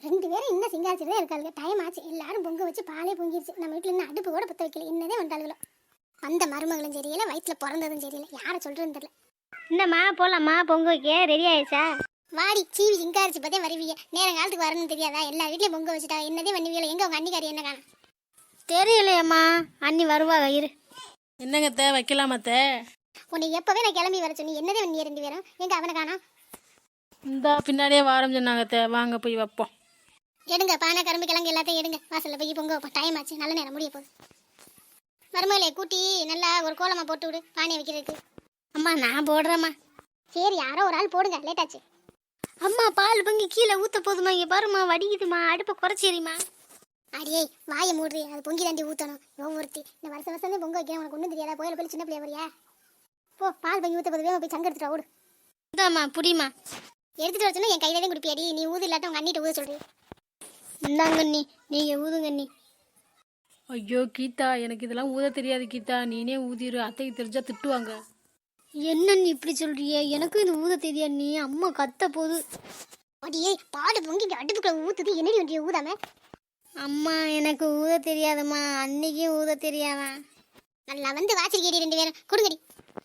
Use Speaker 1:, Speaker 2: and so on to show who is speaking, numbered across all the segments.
Speaker 1: 2 பேரும் இன்னும் சிங்காரிச்சுதான் இருக்காளுங்க. டைம் ஆச்சு, எல்லாரும் பொங்க வச்சு பாலே பொங்கிருச்சு. நம்ம வீட்டில் இன்னும் அடுப்பு கூட பற்ற வைக்கல. என்னதே வந்தாளுங்களோ. அந்த மருமகளும் சரியில்லை, வயிற்றுல பிறந்ததும் சரியில்லை. யாரை சொல்றதுன்னு தெரியல.
Speaker 2: என்னம்மா போகலாமா? பொங்க வைக்க ரெடி ஆயிடுச்சா?
Speaker 1: வாடி சீவி சிங்காரிச்சு பார்த்தே வருவீங்க. நேரம் காலத்துக்கு வரணும்னு தெரியாதா? எல்லா வீட்லையும் பொங்க வச்சுட்டா என்னதே பண்ணுவீங்களா? எங்க உங்க அண்ணிக்காரி என்ன காணும்?
Speaker 2: தெரியலையம்மா, அண்ணி வருவாங்க இரு.
Speaker 3: என்னங்கத்த வைக்கலாமத்த?
Speaker 1: உன்னை எப்பவே நான் கிளம்பி வர சொன்னி, என்னதே பண்ணி 2 பேரும்? எங்க அவனை காணோம்?
Speaker 3: இந்த பின்னாடியே வாரம் சொன்னாங்கத்த, வாங்க போய் வைப்போம்.
Speaker 1: எடுங்க பானை கரும்பு கிழங்கு எல்லாத்தையும் எடுங்க. வாசல்ல போய் பொங்க வைப்போம். டைம் ஆச்சு, நல்ல நேரம் முடிய போகுது. மருமகளே கூட்டி நல்லா ஒரு கோலமா போட்டு விடு பானை வைக்கிறதுக்கு.
Speaker 2: அம்மா நான் போடுறேம்மா.
Speaker 1: சரி, யாரோ ஒரு ஆள் போடுங்க, லேட் ஆச்சு.
Speaker 2: அம்மா பால் பொங்கி கீழே ஊற்ற போதுமா? இங்கே பாருமா வடிக்குதுமா, அடுப்பை குறைச்சிரிம்மா.
Speaker 1: அடியே வாயை மூடுறி, அது பொங்கி தாண்டி ஊற்றணும். ஒவ்வொருத்தி இந்த வருஷம் பொங்க வைக்கிறேன், உனக்கு ஒன்றும் தெரியாதா? கோயில போய் சின்ன பிள்ளைய வரியா? போ, பால் பொங்கி ஊற்ற போதுவே போய் சங்க எடுத்துட்டு ஓடு.
Speaker 2: இந்தாம்மா புடிமா. எடுத்துட்டு
Speaker 1: வர சொன்னா என் கையில தான் குடிப்பியாடி. நீ ஊது இல்லாட்ட உங்க அண்ணிட்ட ஊத சொல்றீ.
Speaker 2: இந்தாங்க அண்ணி, நீங்கள் ஊதுங்க அண்ணி.
Speaker 3: ஐயோ கீதா, எனக்கு இதெல்லாம் ஊத தெரியாது கீதா, நீனே ஊதிரு, அத்தைக்கு தெரிஞ்சா திட்டுவாங்க.
Speaker 2: என்ன நீ இப்படி சொல்றிய? எனக்கும் இது ஊத தெரியா நீ? அம்மா கத்த போது.
Speaker 1: அடியே பால் பொங்கி அடுப்புக்குள்ள ஊத்துது, என்னடி ஒன்றிய ஊதாம?
Speaker 2: அம்மா எனக்கு ஊத தெரியாதம்மா, அன்னைக்கும் ஊத தெரியாதா?
Speaker 1: நல்லா வந்து வாச்சிருக்கேடி 2 பேரும், கொடுங்கடி.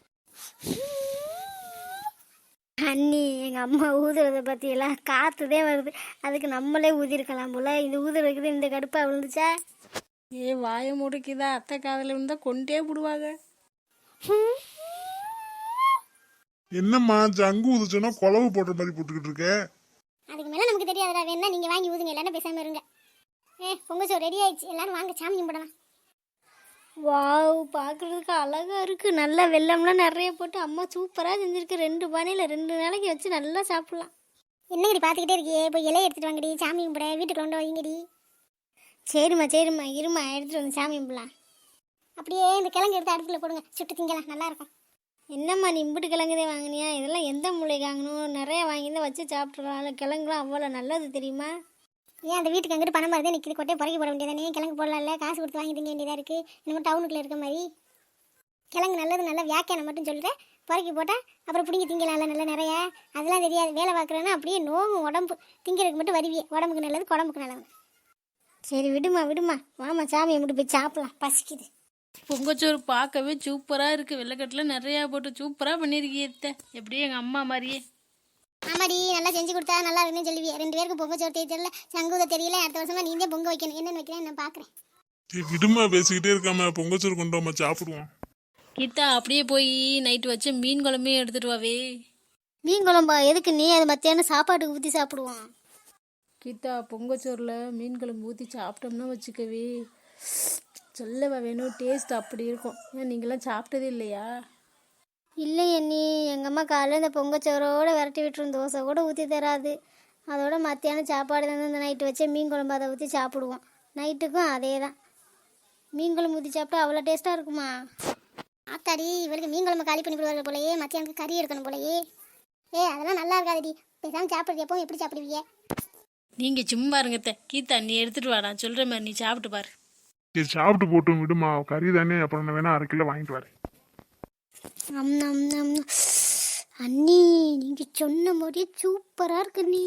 Speaker 2: அண்ணி எங்கள் அம்மா ஊதுறதை பற்றியெல்லாம் காற்றுதே வருது. அதுக்கு நம்மளே ஊதிருக்கலாம் போல. இது ஊதுறதுக்கு இந்த கடுப்பாக விழுந்துச்சா?
Speaker 3: ஏ வாய முடுக்கிதா, அத்தை காதில் இருந்தா கொண்டே விடுவாங்க.
Speaker 4: என்னம்மா ஜங்கு ஊதுச்சோன்னா குழவு போடுற மாதிரி போட்டுக்கிட்டு இருக்க?
Speaker 1: அதுக்கு மேல நமக்கு தெரியாதுடா. வேணா நீங்க வாங்கி ஊதுங்க, எல்லாரும் பேசாம இருங்க. பொங்க சோறு ரெடி ஆயிடுச்சு, எல்லாரும் வாங்க சாமி கும்பிடலாம்.
Speaker 2: வாவ், பார்க்குறதுக்கு அழகாக இருக்குது. நல்லா வெள்ளம்லாம் நிறைய போட்டு அம்மா சூப்பராக செஞ்சுருக்கு. 2 பானையில் 2 நாளைக்கு வச்சு நல்லா சாப்பிட்லாம்.
Speaker 1: என்னங்கடி பார்த்துக்கிட்டே இருக்கியே? போய் இலையை எடுத்துட்டு வாங்கடி, சாமி கும்பிட வீட்டுக்கு கொண்டு வைங்கடி.
Speaker 2: சரிம்மா சரிம்மா, இருமா எடுத்துகிட்டு வந்து சாமி கும்பிடலாம்.
Speaker 1: அப்படியே இந்த கிழங்கு எடுத்து அடுப்புல போடுங்க, சுட்டு திங்கலாம், நல்லா இருக்கும்.
Speaker 2: என்னம்மா நீ இம்புட்டு கிழங்குதே வாங்கினியா? இதெல்லாம் எந்த மூளைக்கு வாங்கணும்? நிறைய வாங்கியிருந்தா வச்சு சாப்பிட்ருக்கலாம். கிழங்குலாம் அவ்வளோ நல்லது தெரியுமா?
Speaker 1: ஏன் அந்த வீட்டுக்கு அங்கிட்டு பணம் வருதே நிற்கிது, கொட்டை புறக்கி போட வேண்டியதானே? கிழங்கு போடலாம்ல, காசு கொடுத்து வாங்கி திங்க வேண்டியதாக இருக்குது. இன்னும் டவுனுக்குள்ளே இருக்க மாதிரி கிழங்கு நல்லது, நல்ல வியாக்கியானம் மட்டும் சொல்லிட்டு புறக்கி போட்டால் அப்புறம் பிடிங்கி திங்கலாம்ல நல்ல நிறைய. அதெல்லாம் தெரியாது. வேலை பார்க்குறேன்னா அப்படியே நோவும் உடம்பு, திங்கிறதுக்கு மட்டும் வருவியே. உடம்புக்கு நல்லது, குடம்புக்கு நல்லது.
Speaker 2: சரி விடுமா விடுமா, வாமா சாமியை மட்டும் போய் சாப்பிடலாம், பசிக்குது.
Speaker 3: பொங்கச்சோறு பார்க்கவே சூப்பராக இருக்குது. வெள்ளைக்கட்டில் நிறையா போட்டு சூப்பராக பண்ணியிருக்கீங்க. எப்படியும் எங்கள் அம்மா மாதிரியே.
Speaker 1: ஆமாடி, நல்லா செஞ்சு கொடுத்தா நல்லா இருக்குன்னு சொல்லுவியே. 2 பேருக்கு பொங்க சோறு தெரியல, சங்கூத தெரியல. அடுத்த வருஷமா நீந்தே பொங்க வைக்கணும். என்னென்னு வைக்கிறேன் நான் பார்க்குறேன்.
Speaker 4: விடுமா, பேசிக்கிட்டே இருக்காம பொங்கச்சோறு கொண்டு வாமா சாப்பிடுவோம்.
Speaker 3: கீதா அப்படியே போய் நைட்டு வச்சு மீன் குழம்பையும் எடுத்துட்டு வாவே.
Speaker 2: மீன் குழம்பா எதுக்கு நீ? அது மத்தியானம் சாப்பாட்டுக்கு ஊற்றி சாப்பிடுவோம்.
Speaker 3: கீதா பொங்கச்சோறில் மீன் குழம்பு ஊற்றி சாப்பிட்டோம்னா வச்சுக்கவே சொல்லவா வேணும், டேஸ்ட் அப்படி இருக்கும். ஏன் நீங்களாம் சாப்பிட்டதே இல்லையா?
Speaker 2: இல்லையே நீ, எங்கள் அம்மா காலையில் இந்த பொங்கச்சோரோடு விரட்டி விட்டுரும். தோசை கூட ஊற்றி தராது. அதோட மத்தியானம் சாப்பாடு வந்து இந்த நைட்டு வச்சே மீன் குழம்பு அதை ஊற்றி சாப்பிடுவோம். நைட்டுக்கும் அதே தான். மீன் குழம்பு ஊற்றி சாப்பிட்டா அவ்வளோ டேஸ்ட்டாக இருக்குமா?
Speaker 1: ஆத்தாடி, இவளுக்கு மீன் குழம்பு காலி பண்ணி விடுவாங்க போலயே. மத்தியானத்துக்கு கறி எடுக்கணும் போலயே. அதெல்லாம் நல்லா இருக்காதுடி. பேசாமல் சாப்பிட்றது எப்போ எப்படி சாப்பிடுவீங்க?
Speaker 3: நீங்கள் சும்மா இருங்கத்த. கீதா நீ எடுத்துகிட்டு வா, நான் சொல்கிற மாதிரி நீ சாப்பிட்டு பாரு.
Speaker 4: சரி சாப்பிட்டு போட்டும் விடுமா, கறி தானே. அப்புறம் நான் வேணா 1/2 கிலோ வாங்கிட்டு வரேன்.
Speaker 2: அண்ணி நீங்கள் சொன்ன மாதிரியே சூப்பராக இருக்கு நீ.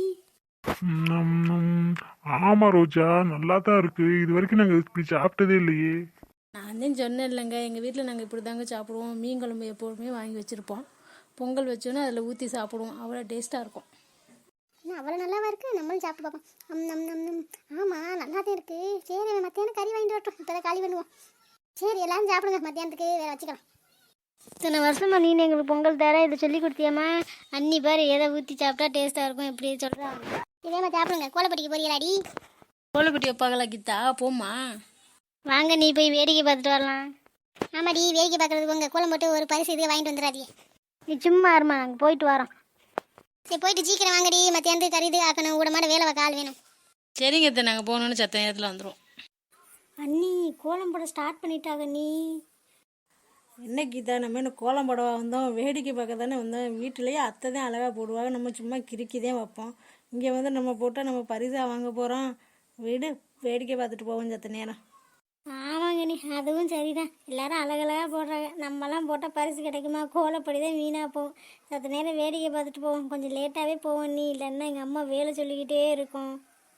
Speaker 4: ஆமா ரோஜா, நல்லா தான் இருக்கு. இது வரைக்கும் நாங்கள் இப்படி சாப்பிட்டதே இல்லையே.
Speaker 3: நான் தான் சொன்னேன் இல்லைங்க, எங்கள் வீட்டில் நாங்கள் இப்படி தாங்க சாப்பிடுவோம். மீன் குழம்பு எப்போதுமே வாங்கி வச்சுருப்போம். பொங்கல் வச்சோன்னா அதில் ஊற்றி சாப்பிடுவோம். அவ்வளோ டேஸ்ட்டாக இருக்கும்.
Speaker 1: அவ்வளோ நல்லாவா இருக்குது? நம்மளும் சாப்பிட்டு பார்ப்போம். ஆமாம், நல்லா தான் இருக்குது. சரி, மத்தியானம் கறி வாங்கிட்டு வரட்டும். இப்போ தான் காலி பண்ணுவோம். சரி, எல்லாரும் சாப்பிடுங்க. மத்தியானத்துக்கு வேறு வச்சுக்கலாம்.
Speaker 2: இத்தனை வருஷமா நீ எங்களுக்கு பொங்கல் தர இதை சொல்லி கொடுத்தியம்மா. அண்ணி பாரு எதை ஊற்றி சாப்பிட்டா டேஸ்ட்டாக இருக்கும் எப்படி சொல்கிறாங்க.
Speaker 1: இதே மாதிரி சாப்பிடுங்க. கோலப்பட்டிக்கு போறீங்களாடி?
Speaker 3: கோலப்பட்டி வைப்பாங்களா கீதா? போமா
Speaker 2: வாங்க, நீ போய் வேடிக்கை பார்த்துட்டு வரலாம்.
Speaker 1: ஆமாடி, வேடிக்கை பார்க்குறதுக்கு உங்கள் கோலம் போட்டு ஒரு பரிசு இதுக்கு வாங்கிட்டு வந்துடாதீங்க.
Speaker 2: நீ சும்மா இருமா, நாங்கள் போயிட்டு வரோம்.
Speaker 1: சரி, போயிட்டு சீக்கிரம் வாங்கடி. மத்தியானத்துக்கு கறி இது ஆக்கணும். கூட மாட வேலை வைக்க ஆள் வேணும்.
Speaker 3: சரிங்க அத்தை, நாங்கள் போகணுன்னு சத்த நேரத்தில் வந்துடுவோம்.
Speaker 2: அண்ணி கோலம் போட ஸ்டார்ட் பண்ணிட்டாங்க. நீ
Speaker 3: என்ன கீதா, நம்ம என்ன கோலம் போடவா வந்தோம்? வேடிக்கை பார்க்க தானே வந்தோம். வீட்டிலேயே அத்தை தான் அழகாக போடுவாங்க, நம்ம சும்மா கிறுக்கி தான் வைப்போம். இங்கே வந்து நம்ம போட்டால் நம்ம பரிசாக வாங்க போகிறோம். வீடு வேடிக்கை பார்த்துட்டு போவோம் சத்த நேரம்.
Speaker 2: ஆமாங்க நீ, அதுவும் சரிதான். எல்லாரும் அழகழகாக போடுறாங்க. நம்மலாம் போட்டால் பரிசு கிடைக்குமா? கோலப்படி தான் வீணாக போகும். சத்த நேரம் வேடிக்கை பார்த்துட்டு போவோம். கொஞ்சம் லேட்டாகவே போவோம் நீ, இல்லைன்னா எங்கள் அம்மா வேலை சொல்லிக்கிட்டே இருக்கும்.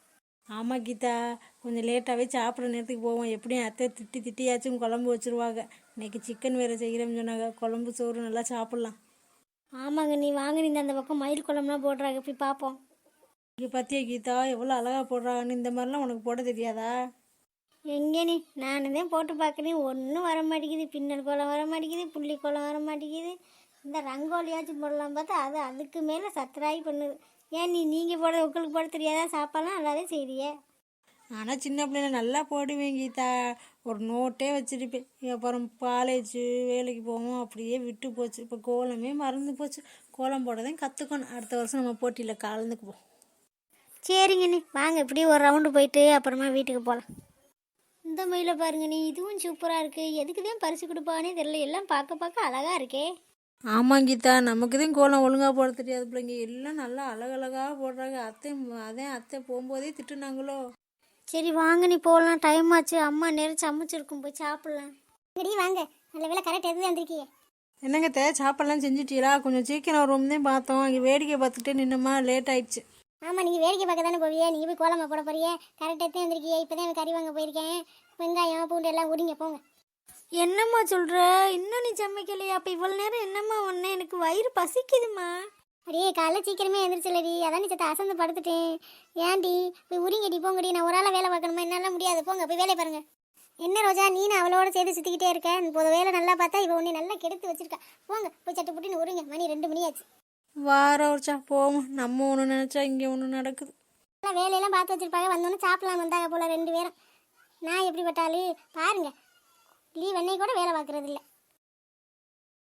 Speaker 3: ஆமாம் கீதா, கொஞ்சம் லேட்டாகவே சாப்பிட்ற நேரத்துக்கு போவோம். எப்படியும் அத்தை திட்டியாச்சும் குழம்பு வச்சுருவாங்க. இன்னைக்கு சிக்கன் வேறு செய்கிறேன்னு சொன்னாங்க. குழம்பு சோறு நல்லா சாப்பிட்லாம்.
Speaker 2: ஆமாங்க, நீ வாங்க, நீ அந்த பக்கம் மயில் குழம்புலாம் போடுறாங்க, போய் பார்ப்போம்.
Speaker 3: இங்கே பார்த்தியா கீதா எவ்வளோ அழகாக போடுறாங்கன்னு? இந்த மாதிரிலாம் உனக்கு போட தெரியாதா?
Speaker 2: எங்கே நீ, நானும் தான் போட்டு பார்க்குறேன், ஒன்றும் வர மாட்டேங்குது. பின்னல் கோலம் வர மாட்டேங்குது, புள்ளி கோலம் வர மாட்டேங்குது. இந்த ரங்கோலியாச்சும் போடலாம் பார்த்தா அது அதுக்கு மேலே சத்தராகி பண்ணுது. ஏன் நீங்கள் போட உங்களுக்கு போட தெரியாதா? சாப்பாடுலாம் நல்லாவே செய்றியே.
Speaker 3: ஆனால் சின்ன பிள்ளைல நல்லா போடுவேன் கீதா. ஒரு நோட்டே வச்சுருப்பேன். அப்புறம் காலேஜு வேலைக்கு போவோம், அப்படியே விட்டு போச்சு. இப்போ கோலமே மறந்து போச்சு. கோலம் போடதான் கற்றுக்கணும். அடுத்த வருஷம் நம்ம போட்டியில் கலந்துக்குவோம்.
Speaker 2: சரிங்க நீ வாங்க, இப்படியே ஒரு ரவுண்டு போயிட்டு அப்புறமா வீட்டுக்கு போகலாம். இந்த மயிலை பாருங்க நீ, இதுவும் சூப்பராக இருக்குது. எதுக்கு தான் பரிசு கொடுப்பானே தெரியல, எல்லாம் பார்க்க பார்க்க அழகாக இருக்கே.
Speaker 3: ஆமாம் கீதா, நமக்கு தான் கோலம் ஒழுங்காக போட தெரியாது பிள்ளைங்க. எல்லாம் நல்லா அழகழகாக போடுறாங்க. அத்தை போகும்போதே திட்டுனாங்களோ.
Speaker 2: சரி வாங்க நீ போகலாம், டைம் ஆச்சு. அம்மா நேரம் சமைச்சிருக்கும், போய் சாப்பிட்லாம்.
Speaker 1: சரி வாங்க, நல்ல வேலை கரெக்ட் எதுவும் வந்திருக்கீங்க.
Speaker 3: என்னங்க சாப்பாடெல்லாம் செஞ்சுட்டீங்களா? கொஞ்சம் சீக்கிரம் வரும்னு தான் பார்த்தோம். இங்கே வேடிக்கை பார்த்துட்டு நின்னுமா, லேட் ஆயிடுச்சு.
Speaker 1: ஆமாம், நீங்கள் வேடிக்கை பார்க்க தானே போவியே, நீங்கள் போய் கோலமாக போட போறியே. கரெக்டாக தான் வந்திருக்கீங்க. இப்போ தான் கறி வாங்க போயிருக்கேன். வெங்காயம் பூண்டு எல்லாம் உரிங்க போங்க.
Speaker 2: என்னம்மா சொல்கிற? இன்னும் நீ சமைக்கலையா? அப்போ இவ்வளோ நேரம் என்னம்மா ஒன்று? எனக்கு வயிறு பசிக்குதுமா.
Speaker 1: அடியே காலைல சீக்கிரமே எழுந்திரிச்சலடி, அதான் நீ சத்த அசந்து படுத்துட்டேன். ஏன்டி போய் உரிங்கடி போங்கடி, நான் ஒரு ஆளாக வேலை பார்க்கணுமா? என்னால் முடியாது, போங்க போய் வேலையை பாருங்க. என்ன ரோஜா, நீ நான் அவளோட சேர்த்து சுற்றிக்கிட்டே இருக்கேன். இப்போது வேலை நல்லா பார்த்தா இவ உன்னை நல்லா கெடுத்து வச்சிருக்கா. போங்க போய் சட்டு புட்டின்னு உரிங்க, மணி 2 மணி ஆச்சு.
Speaker 3: வாரச்சா போவோம். நம்ம ஒன்று நினச்சா இங்கே ஒன்று நடக்குது.
Speaker 1: எல்லாம் வேலையெல்லாம் பார்த்து வச்சிருப்பாங்க. வந்தோன்னே சாப்பிடலாம் வந்தாங்க போல 2 பேரும். நான் எப்படிப்பட்டாலும் பாருங்க, லீவ் அன்னைக்கு கூட வேலை பார்க்குறது இல்லை.